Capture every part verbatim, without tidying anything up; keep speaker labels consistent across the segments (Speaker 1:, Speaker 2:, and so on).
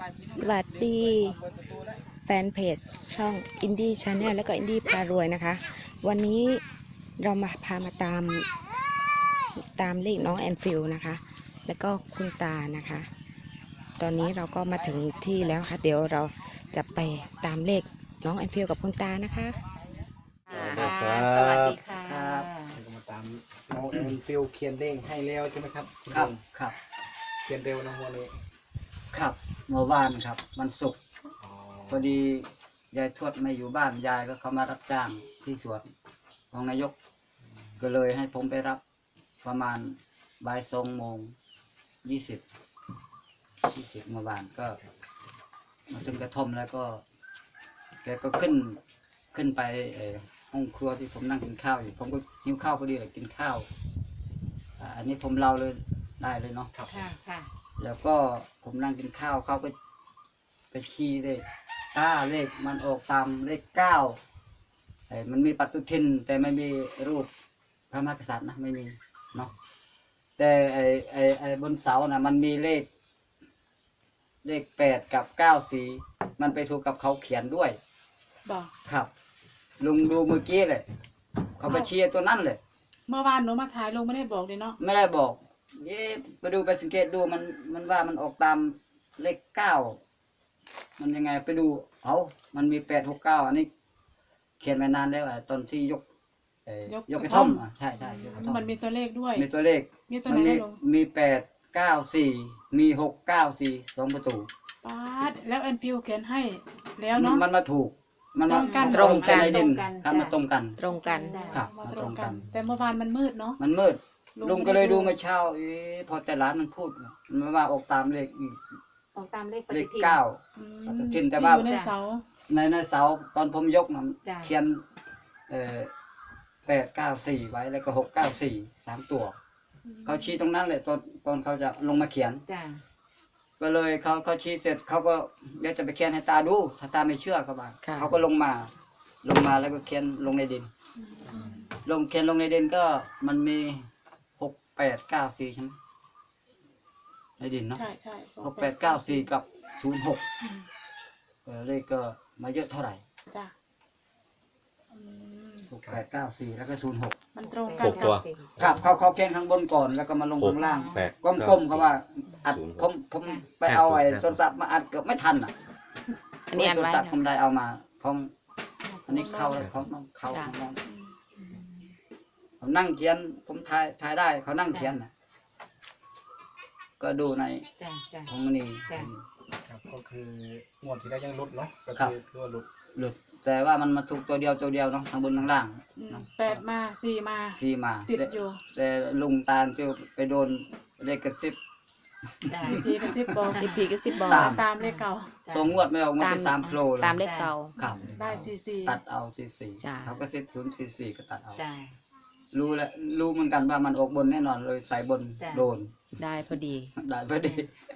Speaker 1: สวัสดีแฟนเพจช่องอินดี้ชาแนลและก็อินดี้พารวยนะคะวันนี้เรามาพามาตามตามเลขน้องแอนฟิลนะคะแล้วก็คุณตานะคะตอนนี้เราก็มาถึงที่แล้วค่ะเดี๋ยวเราจะไปตามเลขน้องแอนฟิลกับคุณตานะคะ
Speaker 2: สวัสดีค่ะ
Speaker 3: ครับก็มาตามน้องแอนฟิลเขียนเลขให้แล้วใช่ไหมครับคุณ
Speaker 2: ครับ
Speaker 3: ลุง
Speaker 2: ครับ
Speaker 3: เขียนเร็วนะวันนี้
Speaker 2: ครับเมื่อวานครับวันศุกร์
Speaker 3: อ๋อ
Speaker 2: พอดียายทวดไม่อยู่บ้านยายก็เขามารับจ้างที่สวนของนายก ก็เลยให้ผมไปรับประมาณบ่ายสองโมงยี่สิบยี่สิบเมื่อวานก็มาถึงกระท่อมแล้วก็ แกก็ขึ้นขึ้นไปเอ่อห้องครัวที่ผมนั่งกินข้าวอยู่ผมก็หิวข้าวพอดีเลยกินข้าวอ่าอันนี้ผมเล่าเลยได้เลยเนาะ
Speaker 3: ครับ
Speaker 4: ค่ะค่ะ
Speaker 2: แล้วก็ผมนั่งกินข้าวเขาก็ไปชี้เลขเก้าเลขมันออกตามเลขเก้าไอ้มันมีปฏิทินแต่ไม่มีรูปพระมหากษัตริย์นะไม่มีเนาะแต่ไอ้ไอ้ไอ้บนเสานะมันมีเลข เลขแปดกับเก้าสีมันไปถูกกับเขาเขียนด้วย
Speaker 4: บอก
Speaker 2: ครับ ลุงดูเมื่อกี้เลยเขาไปชี้ตัวนั้นเลย
Speaker 4: เมื่อวานหนูมาถ่ายลงไม่ได้บอกเลยเนาะ
Speaker 2: ไม่ได้บอกเย้ไปดูไปสังเกตดูมันมันว่ามันออกตามเลขเก้ามันยังไงไปดูเอามันมีแปดหกเก้าอันนี้ เขียนมานานแล้วอะตอนที่ยกเอ่อยกกระท่อมอ่ะใช่ใช่ยกกระท่อม
Speaker 4: มันมีตัวเลขด้วย
Speaker 2: มีตัวเลข
Speaker 4: มีตัว
Speaker 2: มั
Speaker 4: ไหน
Speaker 2: มี
Speaker 4: นะลุง
Speaker 2: มีแปดเก้าสี่มีหกเก้าสี่สองประตู
Speaker 4: ป๊าดแล้วแอนฟิวเขียนให้แล้วเนาะ
Speaker 2: มันมาถูก มันมา
Speaker 4: ตรงกัน
Speaker 2: ตรงกันในดิน
Speaker 4: ตรงกัน
Speaker 2: ครับมาตรงกัน
Speaker 1: ตรงกัน
Speaker 2: ครับ
Speaker 4: มา
Speaker 2: มา
Speaker 4: ต
Speaker 2: ต
Speaker 4: ร
Speaker 2: รง ง
Speaker 4: กั
Speaker 2: กัน น
Speaker 4: แต่เมื่อวานมันมืดเนาะ
Speaker 2: มันมืด
Speaker 4: ลุง
Speaker 2: ลุงก็เลยดู
Speaker 4: ไม่ได้ดู
Speaker 2: เมื่อเช้าเอ๊ะพอแต่ร้านมันพูดมันว่าออกตามเลขอีก
Speaker 5: ออกตามเลขป
Speaker 2: เล
Speaker 5: ฏิ
Speaker 2: ข
Speaker 5: ทิน
Speaker 2: เก้า
Speaker 4: อืม
Speaker 2: ปฏิทินแต่ว่า
Speaker 4: ที่อยู่ในเสา
Speaker 2: ในในเสาตอนผมยกนะ
Speaker 5: จ้ะ
Speaker 2: เขียนเอ่อแปดเก้าสี่ไว้แล้วก็หกเก้าสี่สามตัว เขาชี้ตรงนั้นเลยตอนตอนเขาจะลงมาเขียน
Speaker 5: จ้ะ
Speaker 2: ก็เลยเขาเขาชี้เสร็จเขาก็เดี๋ยวจะไปเขียนให้ตาดูถ้าตาไม่เชื่อเขาบ้าง
Speaker 1: ค่ะ
Speaker 2: เขาก็ลงมา ลงมาแล้วก็เขียนลงในดิน ลงเขียนลงในดินก็มันมีหกแปดเก้าสี่ใช่ไหมในดินเนาะ
Speaker 4: ใช่ใช่
Speaker 2: หกแปดเก้าสี่กับศูนย์หก
Speaker 4: อืม
Speaker 2: เออเลขก็มาเยอะเท่าไหร่
Speaker 4: จ้ะอืม
Speaker 2: หกแปดเก้าสี่แล้วก็ศูนย์หก
Speaker 4: มันตรงกั
Speaker 6: ห
Speaker 4: น
Speaker 6: กตัว
Speaker 2: ครับเขาเขาเขียนข้างบนก่อนแล้วก็มาลงข้างล่าง
Speaker 6: แปด
Speaker 2: กลมๆเขาว่าอัด
Speaker 6: ศูนย์หก
Speaker 2: ผมผมไปเอาไอ้โทรศัพท์มาอัดเกือบไม่ทันอ่ะ
Speaker 1: อันนี้อัน
Speaker 2: โทร
Speaker 1: ไว้
Speaker 2: ศัพท์
Speaker 1: นะ
Speaker 2: ผมได้เอามาของอันนี้เข้าแล้วเขาเขา
Speaker 1: จ้ะ
Speaker 2: เขาเขานั่งเขียนผมถ่ายถ่ายได้เขานั่งเขียนนะก็ดูใน
Speaker 5: จ้ะจ้ะ
Speaker 2: ของมันนี่
Speaker 5: จ้ะ
Speaker 3: ครับก็คืองวดที่แล้วยังหลุดเนาะก็
Speaker 2: ครับ
Speaker 3: คือคือว่าหลุด
Speaker 2: หลุดแต่ว่ามันมาถูกตัวเดียวตัวเดียวเนาะทางบนทางล่าง
Speaker 4: อืม
Speaker 2: เนาะ
Speaker 4: แปดมาสี่มา
Speaker 2: ซีมา
Speaker 4: ติด
Speaker 2: แต่
Speaker 4: อยู่
Speaker 2: แต่ลุงตาลไปไปโดนเลขกระซิบ
Speaker 5: จ้ะ
Speaker 4: พีกระซิบบอก
Speaker 1: ที่พีก็สิบบอก
Speaker 2: ตาม
Speaker 4: ตามเลขเก่า
Speaker 2: สองงวดไม่ออกงวด
Speaker 1: ตาม
Speaker 2: ที่สามโผล่เลย
Speaker 1: ตามเลขเก่า
Speaker 2: ครับ
Speaker 4: ได้สี่สี่
Speaker 2: ตัดเอาสี่สี่
Speaker 1: จ้ะ
Speaker 2: เขาก็เซ็ตศูนย์สี่สี่ก็ตัดเอา
Speaker 5: จ้ะ
Speaker 2: รู้แล้วรู้เหมือนกันว่ามันออกบนแน่นอนเลยใส่บน
Speaker 5: จ้ะ
Speaker 2: โดน
Speaker 1: ได้พอดี
Speaker 2: ได้พอดี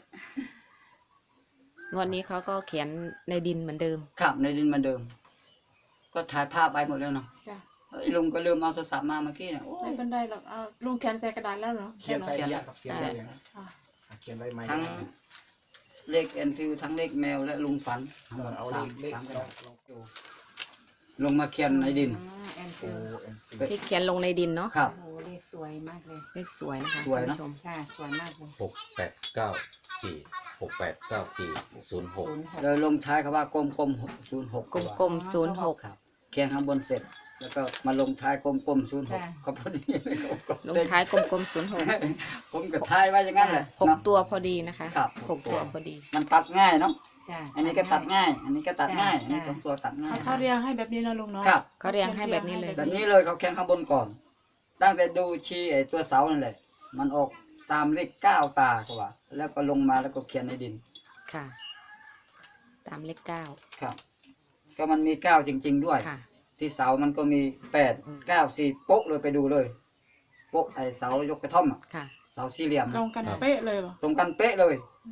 Speaker 1: งวดนี้เขาก็เขียนในดินเหมือนเดิม
Speaker 2: ครับในดินเหมาเดิม ก็ถ่ายภาพไปหมดแล้วเนาะ
Speaker 4: จ้ะ
Speaker 2: เฮ้ยลุงก็ลืมเอาโทรศัพท์มาเมื่อกี้เนี่ยโอ้
Speaker 4: ไม่
Speaker 2: ย
Speaker 4: เป็นไรหรอกเอาลุงเขียนใส่กระดาษแล้วเหรอ
Speaker 3: เขียนใส่
Speaker 4: ใช่
Speaker 3: เย
Speaker 4: เหรอ
Speaker 3: อะครับเขียนใส่เยอะ
Speaker 4: อ่ะ
Speaker 3: เขียนไว้ไหม
Speaker 2: ทั้งเลขเอ็นฟิวทั้งเลขแมวและลุงฝันทั้ง
Speaker 3: เอ
Speaker 2: หม
Speaker 3: อ
Speaker 2: ด
Speaker 3: เอาเล
Speaker 2: สาม
Speaker 3: ขเลข
Speaker 2: สามกระ
Speaker 3: ล
Speaker 2: ดา
Speaker 3: อง
Speaker 2: ษ
Speaker 3: ลองดู
Speaker 2: ลงมาเขียนในดิน
Speaker 5: อ๋อแอน
Speaker 3: โอ้
Speaker 5: ฟิล
Speaker 3: แอนฟิล
Speaker 1: ที่เขียนลงในดินเนาะ
Speaker 2: ครับ
Speaker 5: โอ้โหเลขสวยมากเลย
Speaker 1: เลขสวยนะคะ
Speaker 2: สวยเนอะ
Speaker 1: ท่านผู้ชม
Speaker 5: ค่ะสวยมากเลย
Speaker 6: หกแปดเก้าสี่หกแปดเก้าสี่ศูนย์หก
Speaker 5: ศูนย์หก
Speaker 2: เลยลงท้ายคำว่ากลมกลมศูนย์หก
Speaker 1: กลมๆศูนย์หก
Speaker 2: ครับเขียนข้างบนเสร็จ แล้วก็มาลงท้ายกลมกลมศูนย์หกก็พอดีเลยกลมๆ
Speaker 1: ลงท้ายกลมๆศูนย์หก
Speaker 2: ผมก็ท้ายไว้อย่างนั้นเลย
Speaker 1: หก
Speaker 2: เนาะ
Speaker 1: ตัวพอดีนะคะ
Speaker 2: ครับ
Speaker 1: หกตัวพอดี
Speaker 2: มันตัดง่ายเนาะ
Speaker 5: จ้ะ
Speaker 2: อันนี้ก็ตัดง่าย อันนี้ก็ตัดง่าย อันนี้
Speaker 5: จ้ะ
Speaker 2: สองตัวตัดง่า
Speaker 4: เขา
Speaker 2: ย
Speaker 4: เขาเรียงให้แบบนี้นะลุงเนาะ
Speaker 2: ครับ
Speaker 1: เขาเรียงให้แบบนี้เลย
Speaker 2: แบบนี้เลยเขาเขียนข้างบนก่อน ตั้งแต่ดูชี้ไอ้ตัวเสานั่นแหละ มันออกตามเลขเก้าตาเขาว่า แล้วก็ลงมาแล้วก็เขียนในดิน
Speaker 1: ค่ะ ตามเลขเก้า
Speaker 2: ครับ ก็มันมีเก้าจริง ๆ ด้วย
Speaker 1: ค่ะ
Speaker 2: ที่เสามันก็มีแปดเก้าสี่โป๊ะเลยไปดูเลย โป๊ะไอ้เสายกกระท่อมอะ
Speaker 1: ค่ะ
Speaker 2: เสาสี่เหลี่ยม
Speaker 4: ตรงกันเป๊ะเลยเหรอ
Speaker 2: ตรงกันเป๊ะเลย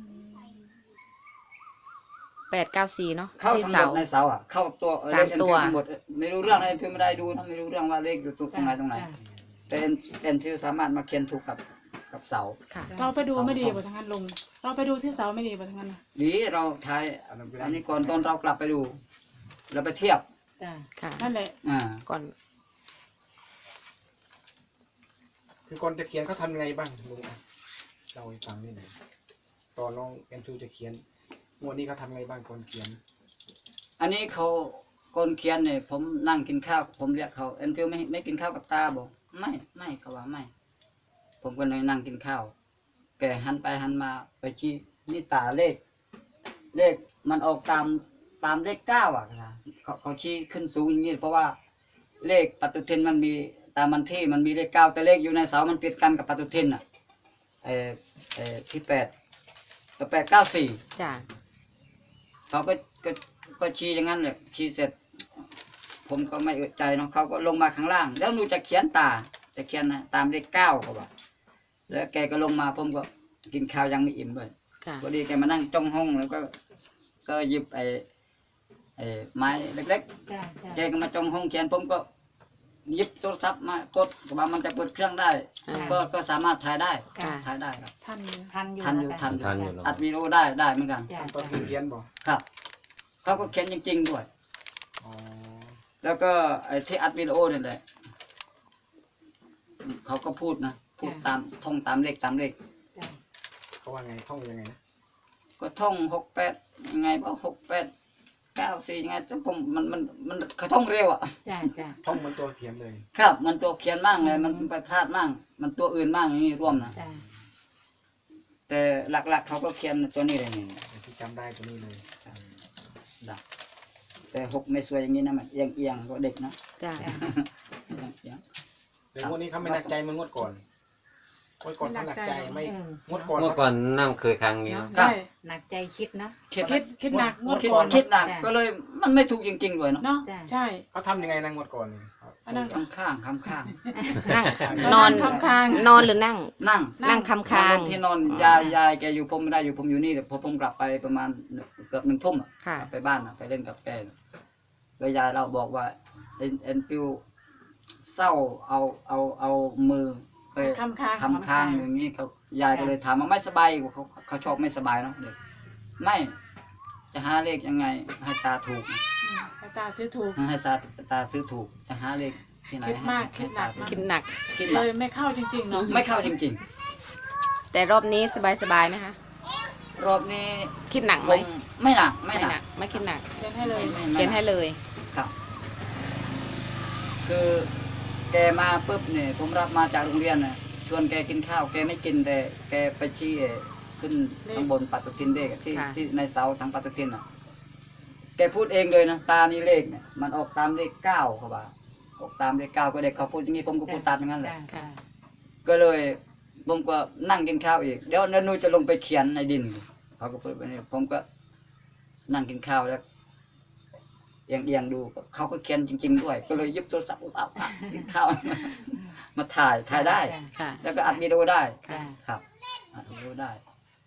Speaker 1: แปดเก้าสี่เนาะ
Speaker 2: เข้า
Speaker 1: ที่
Speaker 2: ทั้งห
Speaker 1: เสาม
Speaker 2: ดในเสาอ่ะ เข้าตัว
Speaker 1: สามตัว
Speaker 2: เลข ทั้งหมดไม่รู้เรื่องอะไรเพื่อนไม่ได้ดูนะไม่รู้เรื่องว่าเลขอยู่ตรงไหนตรงไหน
Speaker 5: จ้ะ
Speaker 2: แต่เอ็นเอ็นที่สามารถมาเขียนถูกกับกับเสา
Speaker 1: ค่ะ
Speaker 4: เราไปดูไม่ดีกว่าทางนั้นลุงไปเราไปดูที่เสาไม่ดีป่ะทั้งนั้นน่ะ
Speaker 2: ดีเราใช้อันนี้ก่อนตอนเรากลับไปดูเราไปเทียบ
Speaker 5: จ้ะ
Speaker 1: ค่ะ
Speaker 4: นั่นแหละ
Speaker 2: อ่า
Speaker 1: ก่อน
Speaker 3: คือก่อนจะเขียนเขาทำยังไงบ้างลุงอ่ะเล่าให้ฟังนิดหน่อยตอนน้องแอนฟิวจะเขียนงวดนี้เขาทำไงบ้างก่อนเขียน
Speaker 2: อันนี้เขาคนเขียนเนี่ยผมนั่งกินข้าวผมเรียกเขาเอ็นฟิวไม่ไม่กินข้าวกับตาบอกไม่ไม่เขาว่าไม่ ผมก็เลยนั่งกินข้าวแกหันไปหันมาไปชี้นี่ตาเลข เลขมันออกตามตามเลขเก้าอ่ะครับเขาเขาชี้ขึ้นสูงอย่างนี้เพราะว่าเลขปฏิทินมันมีตามมันที่มันมีเลขเก้าแต่เลขอยู่ในเสามันติดกันกับปฏิทินอ่ะเออเออที่แปดแปดเก้าสี่
Speaker 1: จ้ะ
Speaker 2: เขาก็ก็ก็ชี้อย่างนั้นเลยชี้เสร็จ ผมก็ไม่อึดใจเนาะเขาก็ลงมาข้างล่าง แล้วหนูจะเขียนตาจะเขียนนะตามเลขเก้าเขาบอกแล้วแกก็ลงมาผมก็กินข้าวยังไม่อิ่มเลย
Speaker 1: ค่ะ
Speaker 2: พอดีแกมานั่งจ้องห้องแล้วก็ก็หยิบไอ้ไอ้ไม้เล็ก
Speaker 5: จ้ะ
Speaker 2: ๆแก
Speaker 5: จ้ะ
Speaker 2: ก็มาจ้องห้องเขียนผมก็หยิบโทรศัพท์มากดว่ามันจะเปิดเครื่องได้
Speaker 1: อ่า
Speaker 2: ก็ก็สามารถถ่ายได้
Speaker 1: ค่ะ
Speaker 2: ถ่ายได้ครับ
Speaker 4: ท่านอยู่
Speaker 5: ทันอยู่
Speaker 2: ทันอยู่
Speaker 5: ะ
Speaker 2: ทัน
Speaker 6: ทันอยู่เนอะ
Speaker 2: อัดวิดีโอได้ได้เหมือนกัน
Speaker 5: จ้ะ
Speaker 3: ตอน
Speaker 5: จ้ะ
Speaker 3: เขียนบอก
Speaker 2: ครับเขาก็เขียนจริง ๆ ด้วย
Speaker 3: อ๋อ
Speaker 2: แล้วก็ไอ้ที่อัดวิดีโอนี่แหละเขาก็พูดนะพูดตามท่องตามเลขตามเลข
Speaker 5: จ้ะ
Speaker 3: เขาว่าไงท่องยังไงนะ
Speaker 2: ก็ท่องหกแปดยังไงบ่หกแปดเก้าสี่ยังไงแต่ผมมันมันมันเขาท่องเร็วอ่ะ
Speaker 5: จ้ะจ้ะ
Speaker 3: ท่องเหมือนตัวเขียนเลย
Speaker 2: ครับ มันตัวเขียนมากเลยมันไปพลาดมากมันตัวอื่นมากอย่างนี้ร่วมนะ
Speaker 5: จ้ะ
Speaker 2: แต่หลักๆเขาก็เขียนตัวนี้เลยนี่
Speaker 3: ที่จำได้ตัวนี้เลย
Speaker 2: ดักแต่หกไม่สวยอย่างนี้นะมันเอียงเอียงๆก็เด็กนะ
Speaker 1: จ้ะ
Speaker 5: จ้ะ
Speaker 2: เอียงเอียง
Speaker 3: แต่งวดนี้เขาไม่หนักใจเหมันงวดก่อนงวดก่อนเขาหนักใจไม่
Speaker 5: เออง
Speaker 3: วดก่อน
Speaker 6: เมื่อก่อนนั่งเคยครั้งนี้
Speaker 5: เนาะ
Speaker 6: เนอะ
Speaker 4: ได้
Speaker 5: หนักใจคิดเนาะ
Speaker 2: คิด
Speaker 4: คิดคิดหนักงวด
Speaker 2: คิด
Speaker 4: ก่อน
Speaker 2: คิดหนัก
Speaker 5: จ้ะ
Speaker 2: ก็เลยมันไม่ถูกจริงๆด้วยเนาะ
Speaker 4: เนาะ
Speaker 5: จ้ะ
Speaker 4: ใช่
Speaker 3: เขาทำยังไงนะงวดก่อนนี่
Speaker 4: อันนั้น
Speaker 2: ข้างข้างข้างข้าง
Speaker 1: นั่ง
Speaker 4: ก็
Speaker 1: นอน
Speaker 4: ข้างข้าง
Speaker 1: นอนหรือนั่ง
Speaker 2: ๆนั่ง
Speaker 1: นั่งคำคาง
Speaker 2: ที่นอนยายยายแกอยู่ผมไม่ได้อยู่ผมอยู่นี่เดี๋ยวพอผมกลับไปประมาณเกือบหนึ่งทุ่มอะ
Speaker 1: ค่ะ
Speaker 2: กลับไปบ้านอะไปเล่นกับแกก็ยายเราบอกว่าเอ็นเอ็นฟิวเศร้าเอาเอาเอามือไป
Speaker 4: คำค้าง
Speaker 2: ทำค้างอย่างนี้เขายายก็เลยถามว่าไม่สบายเขาเขาชอบไม่สบายเนาะเด็กไม่จะหาเลขยังไงให้ตาถูก
Speaker 4: อืมให้ตาซื้อถูก
Speaker 2: ให้ตาตาซื้อถูกจะหาเลขที่ไหน
Speaker 4: คิดมาก
Speaker 2: ให้
Speaker 4: คิดหนัก
Speaker 2: ให้ตา
Speaker 1: คิดหนัก
Speaker 2: คิดห
Speaker 4: เล
Speaker 2: นัก
Speaker 4: ยไม่เข้าจริงๆเนาะ
Speaker 2: ไม่เข้าจริง
Speaker 1: แต่รอบนี้สบายสบายๆไหมคะ
Speaker 2: ๆ รอบนี้
Speaker 1: คิดหนัก
Speaker 2: ผ
Speaker 1: ไหม
Speaker 2: มไม่หนักไม่
Speaker 1: ไม่
Speaker 2: ห
Speaker 1: ห
Speaker 2: นั
Speaker 1: นั
Speaker 2: ก
Speaker 1: ก ไม่คิดหนัก
Speaker 4: เขียนให้เลย
Speaker 2: ไม่
Speaker 1: เขียนให้เลย
Speaker 2: ครับ คือแกมาปุ๊บเนี่ยผมรับมาจากโรงเรียนน่ะชวนแกกินข้าวแกไม่กินแต่แกไปชี้เอ่อขึ้นข้างบนปฏิทินเลขอะที่
Speaker 1: ค่ะ
Speaker 2: ที่ในเสาทางปฏิทินอ่ะ แกพูดเองเลยนะตานี่เลขเนี่ยมันออกตามเลขเก้าเขาว่าออกตามเลขเก้าก็เด็กเขาพูดอย่างนี้ผมก็พูดตามอย่างนั้นแหละ
Speaker 5: จ้ะจ้ะ
Speaker 2: ก็เลยผมก็นั่งกินข้าวอีกเดี๋ยวเนนูจะลงไปเขียนในดินเขาก็เปิดไปนี่ผมก็นั่งกินข้าวแล้วเอียงเอียงๆดูเขาก็เขียนจริง ๆ ด้วย ก็เลยหยิบโทรศัพท์เอาอ่ะกินข้าว มาถ่ายถ่ายได้
Speaker 5: จ้ะ
Speaker 1: ค่ะ
Speaker 2: แล้วก็อัดวิดีโอได้
Speaker 5: จ้ะ
Speaker 2: ครับอัดวิดีโอได้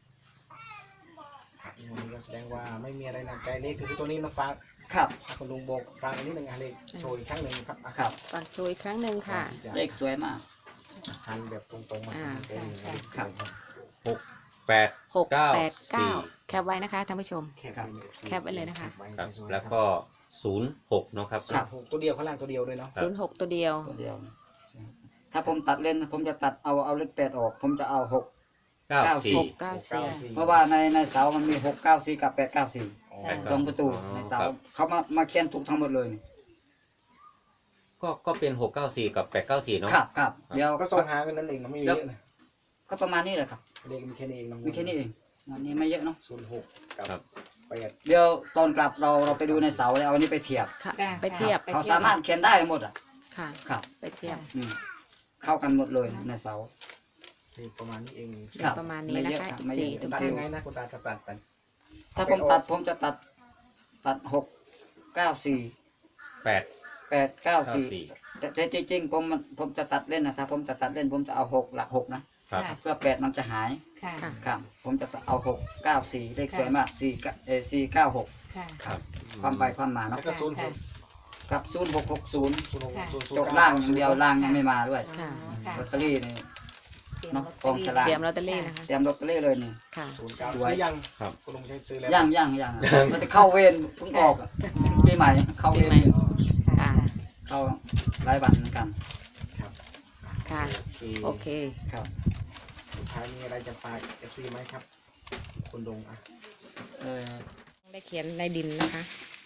Speaker 3: งวดนี้ก็แสดงว่าไม่มีอะไรหนักใจเลขคือตัวนี้มาฝาก
Speaker 2: ครับ
Speaker 3: คุณลุงบอกฟังอันนี้หนึ่งอันเลขโชว์อีกครั้งหนึ่งครับอ่ะ
Speaker 2: ครับ
Speaker 1: ฝากโชว์อีกครั้งหนึ่งค่ะ
Speaker 2: เลขสวยมาก
Speaker 3: หันแบบตรงๆมา
Speaker 1: อ่า
Speaker 3: เป็นอย่างนี้
Speaker 2: ครับ
Speaker 6: หกแปด
Speaker 1: หก
Speaker 6: เก้า
Speaker 1: แปดเก้า
Speaker 6: สี่
Speaker 1: แคปไว้นะคะท่านผู้ชม
Speaker 3: แคป
Speaker 1: แคปไว้เลยนะคะ
Speaker 6: ครับ แล้วก็ศูนย์หกเนาะครับ
Speaker 2: ครับ
Speaker 3: หกตัวเดียวข้างล่างตัวเดียวเลยเนาะ
Speaker 1: ศูนย์หกตัวเดียว
Speaker 2: ตัวเดียว ถ้าผมตัดเล่นผมจะตัดเอาเอาเลขแปดออก ผมจะเอาหก
Speaker 6: เก้าสี่
Speaker 1: หกเก้าสี่
Speaker 2: เพราะว่าในในเสามันมีหกเก้าสี่กับแปดเก้าสี่
Speaker 6: แปดเก้า
Speaker 2: สองประตูในเสาเขามามาเขียนถูกทั้งหมดเลยนี่
Speaker 6: ก็ก็เป็นหกเก้าสี่กับแปดเก้าสี่เนาะ
Speaker 2: ครับครับเดี๋ยว
Speaker 3: ก็
Speaker 2: ก็
Speaker 3: สองหางกันนั่นเองนะไม่มีเยอะนะ
Speaker 2: ก็ประมาณนี้แหละครับ
Speaker 3: เลขมีแค่นี้เองนะ
Speaker 2: มีแค่นี้เองอันนี้ไม่เยอะเนาะ
Speaker 3: ศูนย์หกกับ
Speaker 6: ครับ
Speaker 3: แปด
Speaker 2: เดี๋ยวตอนกลับเราเราไปดูในเสาแล้วเอาอันนี้ไปเทียบ
Speaker 1: ค่ะ
Speaker 5: จ้ะ
Speaker 1: ไปเทียบ
Speaker 2: เขาสามารถเขียนได้หมดอ่ะ
Speaker 1: ค่ะ
Speaker 2: ครับ
Speaker 1: ไปเทียบ
Speaker 2: อืมเข้ากันหมดเลยในเสา
Speaker 3: เลขประมาณนี้เอง
Speaker 2: ครับ
Speaker 1: ประมาณนี้
Speaker 2: ไม่
Speaker 1: นะ
Speaker 2: เยอะ
Speaker 1: คะ
Speaker 2: ครับไม่
Speaker 1: สี่
Speaker 2: เยอะ
Speaker 1: ถึง
Speaker 3: ตัด
Speaker 1: คิว
Speaker 3: ยังไงนะคุณตาจะตัดตัด
Speaker 2: ถ้าผมตัดผมจะตัดตัดหกเก้าสี่
Speaker 6: แปด
Speaker 2: แปดเก้า
Speaker 6: เก้า
Speaker 2: สี่
Speaker 6: สี่
Speaker 2: แต่แต่จริงๆผมมันผมจะตัดเล่นนะถ้าผมจะตัดเล่นผมจะเอาหกหลักหกนะครับ เพื่อแปดมันจะหาย
Speaker 5: ค่ะ
Speaker 1: ค่ะ
Speaker 2: ครับผมจะเอาหกเก้าสี่เลขสวยมากสี่เออสี่เก้าหก
Speaker 5: ค่ะ
Speaker 6: ครับ
Speaker 2: ความไปความมา
Speaker 3: แล้
Speaker 2: เนาะ
Speaker 3: วก็ศูนย์หก
Speaker 2: กับศูนย์หกหกศูนย์
Speaker 3: ศูนย์หกศูนย์ศูนย์
Speaker 2: จบล่างอย่างเดียวล่างยังไม่มาด้วย
Speaker 1: ค่ะ
Speaker 5: ค่ะ
Speaker 2: ลอตเตอรี่นี่
Speaker 5: เตรียม
Speaker 2: เนาะ
Speaker 5: ลอต
Speaker 2: กองฉลาก
Speaker 1: เตรียมลอตเตอรี่นะคะ
Speaker 2: เตรียมลอตเตอรี่เลยนี่
Speaker 1: ค่ะ
Speaker 3: ศูนย์เก้า
Speaker 2: สวย
Speaker 3: ซื้อยัง
Speaker 6: ครับ
Speaker 3: คุณลุงใช้ซื้อแล้ว
Speaker 2: ย่างย่างย่างมันจะเข้าเวรเพิ่งออกอะปีใหม่เข้าเว
Speaker 1: ปี
Speaker 2: ร
Speaker 1: ใหม่
Speaker 3: อ๋อ
Speaker 1: ค่ะ
Speaker 2: เข้ารายวันเหมือนกัน
Speaker 3: ครับ
Speaker 1: ค่ะ
Speaker 3: โอเค
Speaker 1: โอเค
Speaker 2: ครับ
Speaker 3: สุดท้ายมีอะไรจะฝากเอฟซีไหมครับ คุณลุงอ่ะ
Speaker 2: เออ
Speaker 1: ได้เขียนในดินนะคะ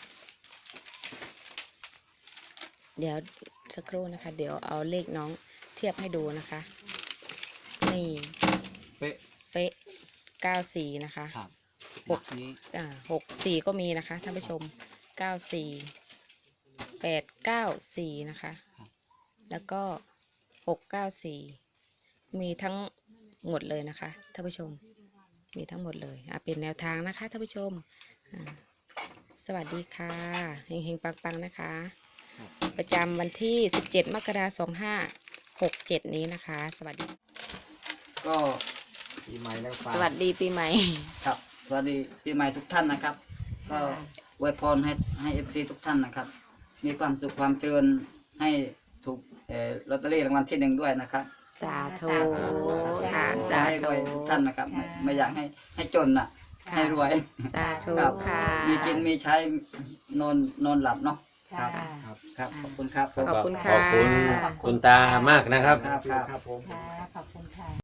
Speaker 1: เดี๋ยวสักครู่นะคะ เดี๋ยวเอาเลขน้องเทียบให้ดูนะคะ นี่
Speaker 2: เป๊ะ
Speaker 1: เป๊ะเก้าสี่นะคะ
Speaker 2: ครับ
Speaker 1: หก
Speaker 2: นี้
Speaker 1: อ่าหกสี่ก็มีนะคะท่านผู้ชมเก้าสี่แปดเก้าสี่นะคะ แล้วก็หกเก้าสี่มีทั้งหมดเลยนะคะท่านผู้ชม มีทั้งหมดเลยอ่ะเป็นแนวทางนะคะท่านผู้ชมอ่าสวัสดีค่ะเฮงๆปังๆนะคะ ประจำวันที่สิบเจ็ดมกราคมสองห้าหกเจ็ดนี้นะคะ สวัสดี
Speaker 2: ก็
Speaker 3: ปีใหม่แล้วฝาก
Speaker 1: สวัสดีปีใหม่
Speaker 2: ครับสวัสดีปีใหม่ทุกท่านนะครับ ก็อวยพรให้ให้เอฟซีทุกท่านนะครับ มีความสุขความเจริญให้ถูกเอ่อลอตเตอรี่รางวัลที่หนึ่งด้วยนะครับ
Speaker 1: สาธุค่ะ
Speaker 2: ขอ
Speaker 1: สา
Speaker 2: ให้ร
Speaker 1: ธุ
Speaker 2: วยทุกท่านนะครับไม่ไม่อยากให้ให้จนน่ะ
Speaker 1: ค่ะ
Speaker 2: ให้รวย
Speaker 1: สาธุ
Speaker 2: ครับ
Speaker 1: ค่ะ
Speaker 2: มีกินมีใช้นอนนอนหลับเนาะครับ
Speaker 5: ค่ะ
Speaker 3: ครับ
Speaker 2: ครับขอบคุณครับ
Speaker 1: ขอบคุณ
Speaker 6: ขอบคุณ
Speaker 1: ค่ะ
Speaker 6: คุณตามากนะครับ
Speaker 2: ครับ
Speaker 3: ครับผม
Speaker 5: ค่ะ ขอบคุณค่ะ